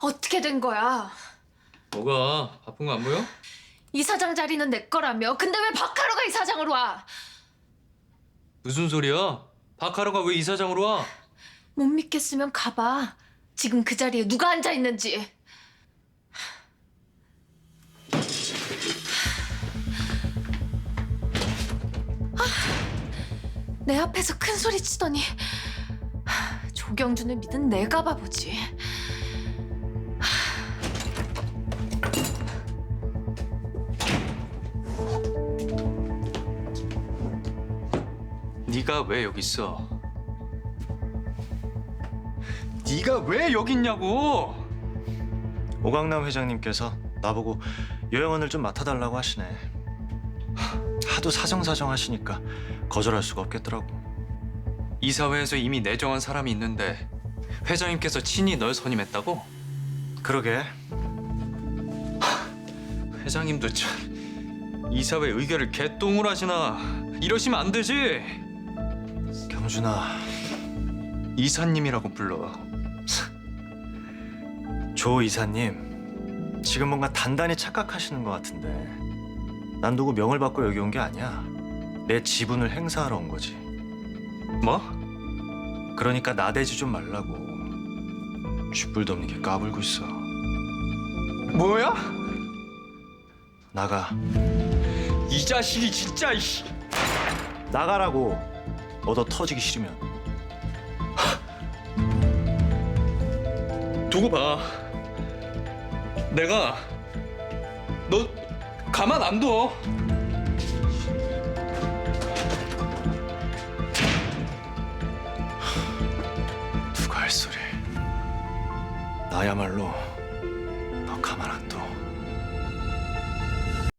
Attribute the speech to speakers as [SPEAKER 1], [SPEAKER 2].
[SPEAKER 1] 어떻게 된 거야?
[SPEAKER 2] 뭐가? 바쁜 거 안 보여?
[SPEAKER 1] 이사장 자리는 내 거라며. 근데 왜 박하루가 이사장으로 와?
[SPEAKER 2] 무슨 소리야? 박하루가 왜 이사장으로 와?
[SPEAKER 1] 못 믿겠으면 가봐. 지금 그 자리에 누가 앉아 있는지. 내 앞에서 큰 소리 치더니 조경준을 믿은 내가 바보지.
[SPEAKER 2] 네가 왜 여기 있어? 네가 왜 여기 있냐고!
[SPEAKER 3] 오강남 회장님께서 나보고 요양원을 좀 맡아달라고 하시네. 하도 사정사정 하시니까 거절할 수가 없겠더라고.
[SPEAKER 2] 이사회에서 이미 내정한 사람이 있는데 회장님께서 친히 널 선임했다고?
[SPEAKER 3] 그러게.
[SPEAKER 2] 회장님도 참 이사회 의결을 개똥을 하시나. 이러시면 안 되지.
[SPEAKER 3] 경준아,
[SPEAKER 2] 이사님이라고 불러.
[SPEAKER 3] 조 이사님 지금 뭔가 단단히 착각하시는 것 같은데 난 누구 명을 받고 여기 온 게 아니야. 내 지분을 행사하러 온 거지.
[SPEAKER 2] 뭐?
[SPEAKER 3] 그러니까 나대지 좀 말라고. 쥐뿔도 없는 게 까불고 있어.
[SPEAKER 2] 뭐야?
[SPEAKER 3] 나가.
[SPEAKER 2] 이 자식이 진짜 이씨.
[SPEAKER 3] 나가라고. 얻어 터지기 싫으면.
[SPEAKER 2] 두고 봐. 내가 너 가만 안 둬.
[SPEAKER 3] 누가 할 소리. 나야말로 너 가만 안 둬.